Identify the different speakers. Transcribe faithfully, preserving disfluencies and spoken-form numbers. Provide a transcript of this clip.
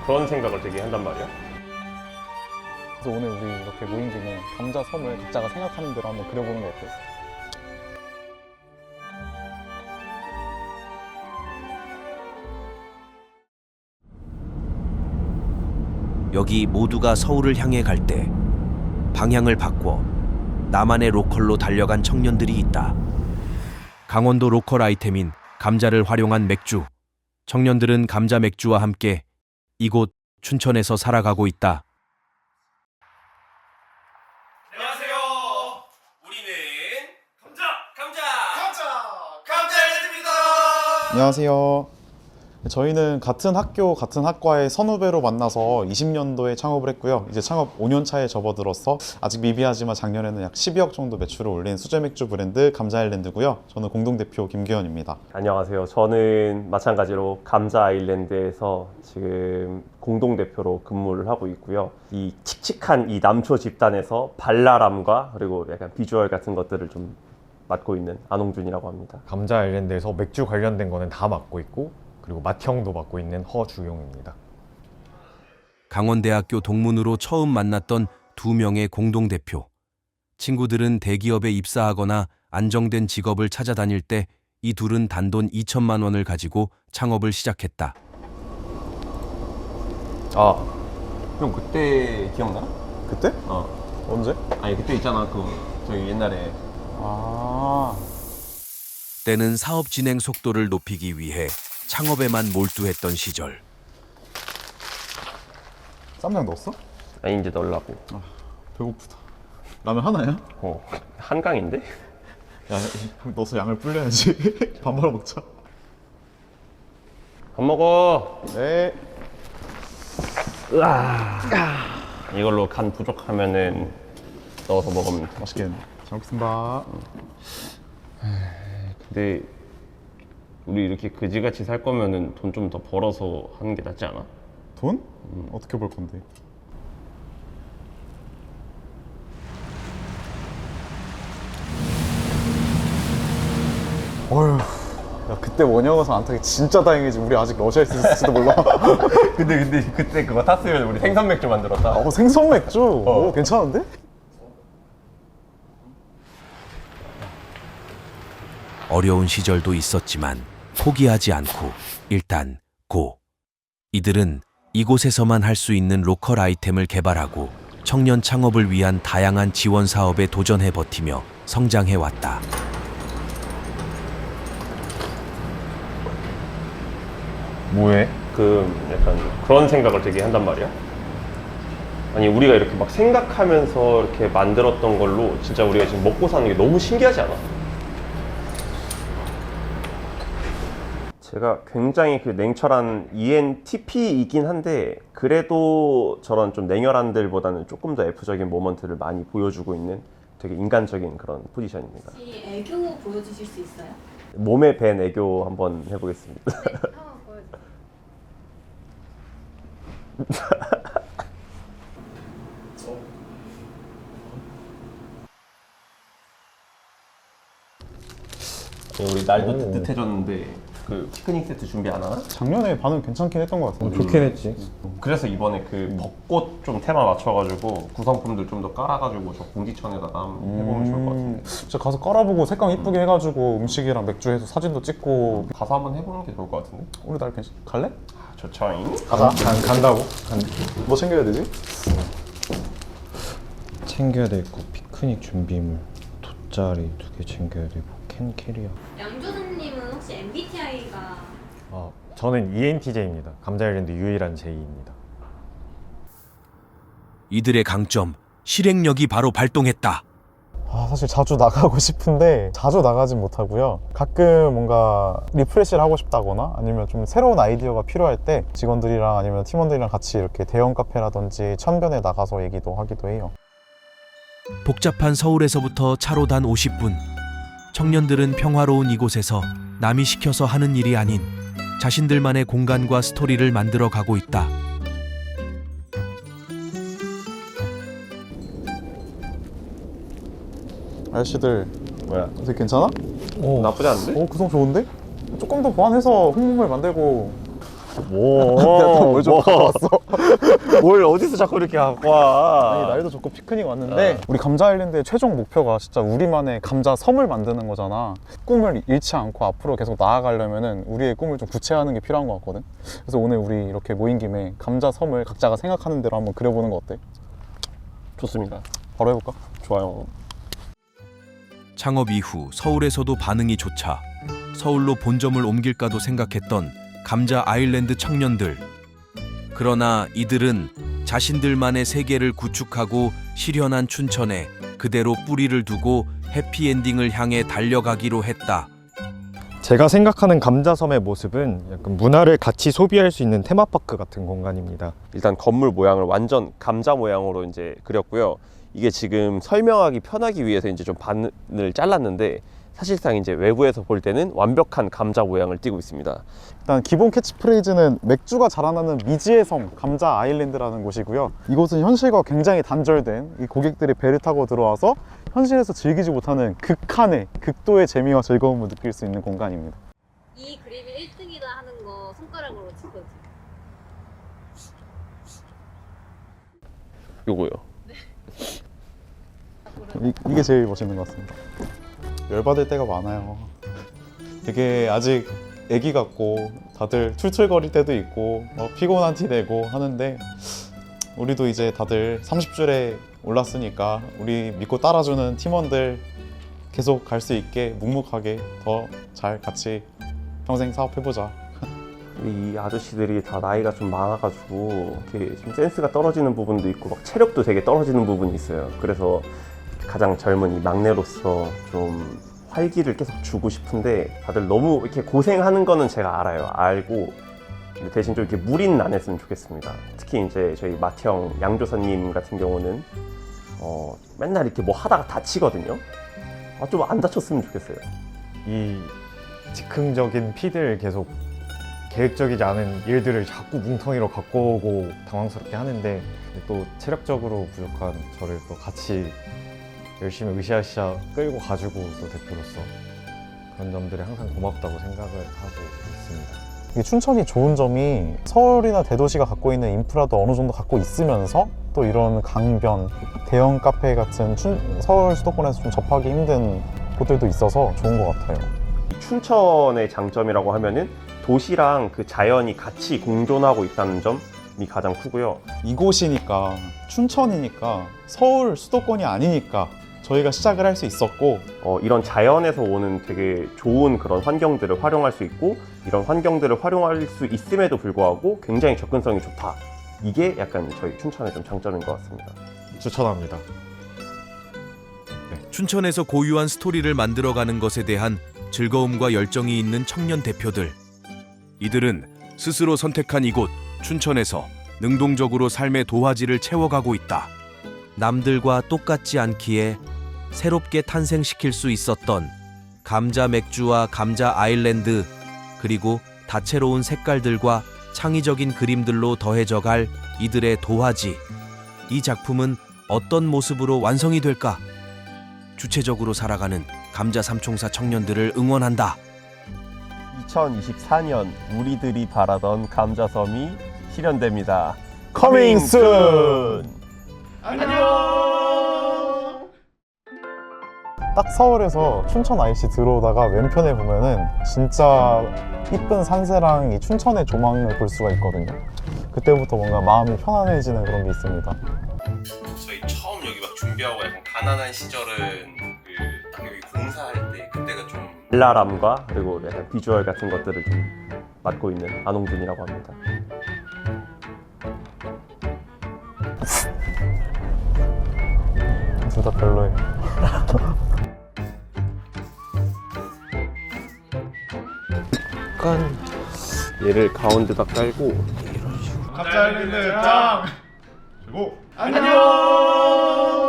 Speaker 1: 그런 생각을 되게 한단 말이야.
Speaker 2: 그래서 오늘 우리 이렇게 모인 김에 감자 섬을 각자가 생각하는 대로 한번 그려보는 거 어때?
Speaker 3: 여기 모두가 서울을 향해 갈 때 방향을 바꿔 나만의 로컬로 달려간 청년들이 있다. 강원도 로컬 아이템인 감자를 활용한 맥주. 청년들은 감자 맥주와 함께 이곳 춘천에서 살아가고 있다.
Speaker 1: 안녕하세요. 우리는 감자, 감자, 감자, 감자 아일랜드입니다.
Speaker 2: 안녕하세요. 저희는 같은 학교, 같은 학과의 선후배로 만나서 이십 년도에 창업을 했고요. 이제 창업 오 년 차에 접어들어서 아직 미비하지만 작년에는 약 십이억 정도 매출을 올린 수제 맥주 브랜드 감자 아일랜드고요. 저는 공동대표 김규현입니다.
Speaker 1: 안녕하세요. 저는 마찬가지로 감자 아일랜드에서 지금 공동대표로 근무를 하고 있고요. 이 칙칙한 이 남초 집단에서 발랄함과 그리고 약간 비주얼 같은 것들을 좀 맡고 있는 안홍준이라고 합니다.
Speaker 4: 감자 아일랜드에서 맥주 관련된 거는 다 맡고 있고, 그리고 맏형도 맡고 있는 허주용입니다.
Speaker 3: 강원대학교 동문으로 처음 만났던 두 명의 공동대표. 친구들은 대기업에 입사하거나 안정된 직업을 찾아다닐 때 이 둘은 단돈 이천만 원을 가지고 창업을 시작했다.
Speaker 1: 아, 형 그때 기억나?
Speaker 2: 그때?
Speaker 1: 어.
Speaker 2: 언제?
Speaker 1: 아니 그때 있잖아 그 저희 옛날에
Speaker 2: 아,
Speaker 3: 때는 사업 진행 속도를 높이기 위해 창업에만 몰두했던 시절.
Speaker 2: 쌈장 넣었어?
Speaker 1: 아니 이제 넣으려고.
Speaker 2: 배고프다. 라면 하나야?
Speaker 1: 어, 한강인데?
Speaker 2: 야, 넣어서 양을 불려야지. 밥 말아 먹자.
Speaker 1: 밥 먹어.
Speaker 2: 네.
Speaker 1: 으아. 이걸로 간 부족하면은 넣어서 먹으면 돼.
Speaker 2: 맛있겠네. 잘 먹겠습니다.
Speaker 1: 근데 우리 이렇게 그지같이 살 거면은 돈 좀 더 벌어서 하는 게 낫지 않아?
Speaker 2: 돈? 음. 어떻게 벌 건데? 어휴, 야, 그때 원형어선 안 타기 진짜 다행이지. 우리 아직 러시아에 있을지도 몰라.
Speaker 1: 근데 근데 그때 그거 탔으면 우리 생선 맥주 만들었다.
Speaker 2: 어, 생선 맥주? 오, 괜찮은데?
Speaker 3: 어려운 시절도 있었지만 포기하지 않고 일단 고. 이들은 이곳에서만 할 수 있는 로컬 아이템을 개발하고 청년 창업을 위한 다양한 지원 사업에 도전해 버티며 성장해 왔다.
Speaker 1: 뭐해? 그 약간 그런 생각을 되게 한단 말이야. 아니 우리가 이렇게 막 생각하면서 이렇게 만들었던 걸로 진짜 우리가 지금 먹고 사는 게 너무 신기하지 않아? 제가 굉장히 그 냉철한 이엔티피이긴 한데 그래도 저런 좀 냉혈한들보다는 조금 더 F적인 모먼트를 많이 보여주고 있는 되게 인간적인 그런 포지션입니다.
Speaker 5: 혹시 애교 보여주실 수 있어요?
Speaker 1: 몸에 밴 애교 한번 해보겠습니다.
Speaker 5: 네, 한번 보여주세요.
Speaker 1: 우리 날도 뜨뜻해졌는데 그 피크닉 세트 준비 안 하나?
Speaker 2: 작년에 반응 괜찮긴 했던 것 같아.
Speaker 4: 좋긴 했지.
Speaker 1: 그래서 이번에 그 벚꽃 좀 테마 맞춰가지고 구성품들 좀 더 깔아가지고 저 공지천에다가 한번 해보면 좋을 것 같은데.
Speaker 2: 진짜 가서 깔아보고 색감 이쁘게 해가지고 음식이랑 맥주 해서 사진도 찍고.
Speaker 1: 가서 한번 해보는 게 좋을 것 같은데?
Speaker 2: 우리 날 괜찮? 갈래?
Speaker 1: 아, 좋죠잉?
Speaker 2: 가자.
Speaker 4: 간, 간다고? 간,
Speaker 2: 뭐 챙겨야 되지?
Speaker 4: 챙겨야 될 거 피크닉 준비물 돗자리 두 개 챙겨야 되고 캔 캐리어.
Speaker 5: 양조선님은 혹시 엠비티아이가
Speaker 4: 아, 저는 이엔티제이입니다. 감자 아일랜드 유일한 제이입니다.
Speaker 3: 이들의 강점, 실행력이 바로 발동했다.
Speaker 2: 아, 사실 자주 나가고 싶은데 자주 나가진 못하고요. 가끔 뭔가 리프레시를 하고 싶다거나 아니면 좀 새로운 아이디어가 필요할 때 직원들이랑 아니면 팀원들이랑 같이 이렇게 대형 카페라든지 천변에 나가서 얘기도 하기도 해요.
Speaker 3: 복잡한 서울에서부터 차로 단 오십 분. 청년들은 평화로운 이곳에서 남이 시켜서 하는 일이 아닌 자신들만의 공간과 스토리를 만들어 가고 있다.
Speaker 2: 아저씨들
Speaker 1: 뭐야?
Speaker 2: 어떻게 괜찮아?
Speaker 4: 오,
Speaker 1: 나쁘지 않은데?
Speaker 2: 오, 구성 좋은데? 조금 더 보완해서 홍보물 만들고
Speaker 4: 오,
Speaker 2: 뭐 뭘 좀
Speaker 1: 뭐.
Speaker 2: 가져왔어?
Speaker 1: 뭘 어디서 자꾸 이렇게 갖고 와?
Speaker 2: 아니, 날도 좋고 피크닉 왔는데 우리 감자 아일랜드의 최종 목표가 진짜 우리만의 감자 섬을 만드는 거잖아. 꿈을 잃지 않고 앞으로 계속 나아가려면은 우리의 꿈을 좀 구체화하는 게 필요한 것 같거든. 그래서 오늘 우리 이렇게 모인 김에 감자 섬을 각자가 생각하는 대로 한번 그려보는 거 어때?
Speaker 1: 좋습니다.
Speaker 2: 바로 해볼까?
Speaker 1: 좋아요.
Speaker 3: 창업 이후 서울에서도 반응이 좋자 서울로 본점을 옮길까도 생각했던 감자 아일랜드 청년들. 그러나 이들은 자신들만의 세계를 구축하고 실현한 춘천에 그대로 뿌리를 두고 해피엔딩을 향해 달려가기로 했다.
Speaker 4: 제가 생각하는 감자섬의 모습은 약간 문화를 같이 소비할 수 있는 테마파크 같은 공간입니다.
Speaker 1: 일단 건물 모양을 완전 감자 모양으로 이제 그렸고요. 이게 지금 설명하기 편하기 위해서 이제 좀 반을 잘랐는데 사실상 이제 외부에서 볼 때는 완벽한 감자 모양을 띠고 있습니다.
Speaker 2: 일단 기본 캐치프레이즈는 맥주가 자라나는 미지의 섬 감자 아일랜드라는 곳이고요. 이곳은 현실과 굉장히 단절된 이 고객들이 배를 타고 들어와서 현실에서 즐기지 못하는 극한의 극도의 재미와 즐거움을 느낄 수 있는 공간입니다.
Speaker 5: 이 그림이 일 등이다 하는 거 손가락으로 짚어주세요.
Speaker 1: 요거요.
Speaker 2: 이, 이게 제일 멋있는 것 같습니다. 열받을 때가 많아요. 되게 아직 애기 같고 다들 툴툴거릴 때도 있고 어, 피곤한 티 내고 하는데 우리도 이제 다들 삼십 줄에 올랐으니까 우리 믿고 따라주는 팀원들 계속 갈 수 있게 묵묵하게 더 잘 같이 평생 사업해보자.
Speaker 1: 이 아저씨들이 다 나이가 좀 많아가지고 이렇게 좀 센스가 떨어지는 부분도 있고 막 체력도 되게 떨어지는 부분이 있어요. 그래서 가장 젊은 이 막내로서 좀 활기를 계속 주고 싶은데 다들 너무 이렇게 고생하는 거는 제가 알아요. 알고 근데 대신 좀 이렇게 무리는 안 했으면 좋겠습니다. 특히 이제 저희 맏형 양조사님 같은 경우는 어, 맨날 이렇게 뭐 하다가 다치거든요. 아, 좀 안 다쳤으면 좋겠어요.
Speaker 4: 이 즉흥적인 피드를 계속 계획적이지 않은 일들을 자꾸 뭉텅이로 갖고 오고 당황스럽게 하는데 또 체력적으로 부족한 저를 또 같이 열심히 으쌰으쌰 끌고 가지고 또 대표로서 그런 점들이 항상 고맙다고 생각을 하고 있습니다.
Speaker 2: 이 춘천이 좋은 점이 서울이나 대도시가 갖고 있는 인프라도 어느 정도 갖고 있으면서 또 이런 강변, 대형 카페 같은 춘, 서울 수도권에서 좀 접하기 힘든 곳들도 있어서 좋은 것 같아요.
Speaker 1: 이 춘천의 장점이라고 하면은 도시랑 그 자연이 같이 공존하고 있다는 점이 가장 크고요.
Speaker 2: 이곳이니까 춘천이니까 서울 수도권이 아니니까 저희가 시작을 할 수 있었고
Speaker 1: 어, 이런 자연에서 오는 되게 좋은 그런 환경들을 활용할 수 있고 이런 환경들을 활용할 수 있음에도 불구하고 굉장히 접근성이 좋다. 이게 약간 저희 춘천의 좀 장점인 것 같습니다.
Speaker 4: 추천합니다.
Speaker 3: 춘천에서 고유한 스토리를 만들어가는 것에 대한 즐거움과 열정이 있는 청년 대표들. 이들은 스스로 선택한 이곳 춘천에서 능동적으로 삶의 도화지를 채워가고 있다. 남들과 똑같지 않기에 새롭게 탄생시킬 수 있었던 감자 맥주와 감자 아일랜드, 그리고 다채로운 색깔들과 창의적인 그림들로 더해져갈 이들의 도화지. 이 작품은 어떤 모습으로 완성이 될까? 주체적으로 살아가는 감자 삼총사 청년들을 응원한다.
Speaker 1: 이천이십사 년 우리들이 바라던 감자섬이 실현됩니다.
Speaker 2: Coming soon!
Speaker 1: 안녕!
Speaker 2: 딱 서울에서 춘천 아이씨 들어오다가 왼편에 보면은 진짜 이쁜 산세랑 이 춘천의 조망을 볼 수가 있거든요. 그때부터 뭔가 마음이 편안해지는 그런 게 있습니다.
Speaker 1: 저희 처음 여기 막 준비하고 약간 가난한 시절은 그 딱 여기 공사할 때 그때가 좀 발랄함과 그리고 약간 비주얼 같은 것들을 좀 맡고 있는 안홍준이라고 합니다.
Speaker 2: 둘 다 별로예요.
Speaker 1: 약간 얘를 가운데다 깔고
Speaker 2: 감자 아일랜드 짱! 그리고
Speaker 1: 안녕!